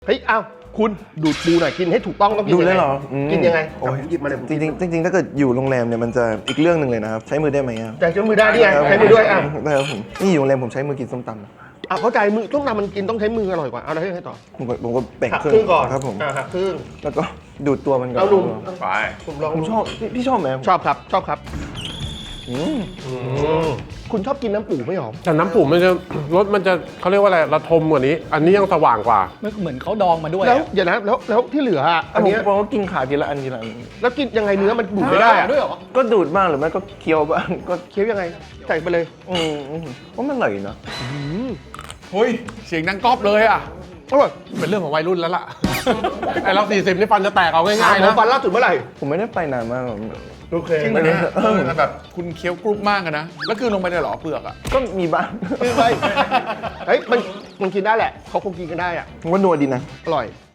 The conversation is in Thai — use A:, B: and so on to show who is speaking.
A: เฮ้ยอ้าวคุณดูดปูหน่อยกินให้ถูกต้องต้องกิน
B: ดูได้เหรอ
A: กินยังไง
B: โอ้ย
A: หยิบมาเลย
B: จริงๆถ้าเกิดอยู่โรงแรมเนี่ยมันจะอีกเรื่องหนึ่งเลยนะครับใช้มือได้ไหมครับ
A: แต่ใช้มือได้นี่ไงใช้มือด้วยอ่ะ
B: ได้ครับผมนี่อยู่โรงแรมผมใช้มือกินส้มตำนะ
A: อ่ะเข้าใจมือต้องทำมันกินต้องใช้มืออร่อยกว่าเอาอะไรให้ต่อ
B: ผมก็แบ่ง
A: หัก
B: ครึ่
A: ครึ่งก่อน
B: ครับผม
A: หักครึ่ง
B: แล้วก็ดูดตัวมันก่อน
A: เอาลุง
C: ไป
A: ผมลอง
B: ผมชอบพี่ชอบไหม
A: ชอบครับชอบครับ
B: อืม
A: คุณชอบกินน้ำปูไม่หรอ
C: แต่น้ำปูมันจะรสมันจะเขาเรียกว่าอะไรระทมกว่านี้ อันนี้ยังสว่างกว่า
D: เหมือนเขาดองมาด้วย
A: แล้ว
D: อะ
A: เดี๋ยวนะแล้วที่เหลืออ่ะอันเนี้ย
B: ผมก็กินขาทีละอันทีละอัน
A: แล้วกินยังไงเนื้อมันดูดไม่ได้อ่ะ
D: ด้วยเหรอ
B: ก็ดูดบ้างหรือไม่ก็เคี้ยวบ้างก็
A: เคี้ยวยังไงใส่ไปเลย
B: ว่ามันอร่อยนะ
C: เฮ้ย เสียงดังก๊อบเลยอ่ะ
A: อร่อย
C: เป็นเรื่องของวัยรุ่นแล้วล่ะ ไอเรา40นี่ฟันจะแตกเอาง่ายๆ
A: หมอ
C: นะ
A: ฟันล่าสุดเมื่อไหร่
B: ผมไม่ได้ไปนานมากหรอก
A: โอเค
E: จริงเหรอเนี่ยมันแบบคุณเคี้ยวกรุบมากอะนะ แล้วคือลงไปในหรอเปลือกอะ
B: ก็มีบ้าง
A: เฮ้ยมันกินได้แหละเขาคงกินกันได้อ่ะ
B: ผมว่านัวดีนะ
A: อร่อย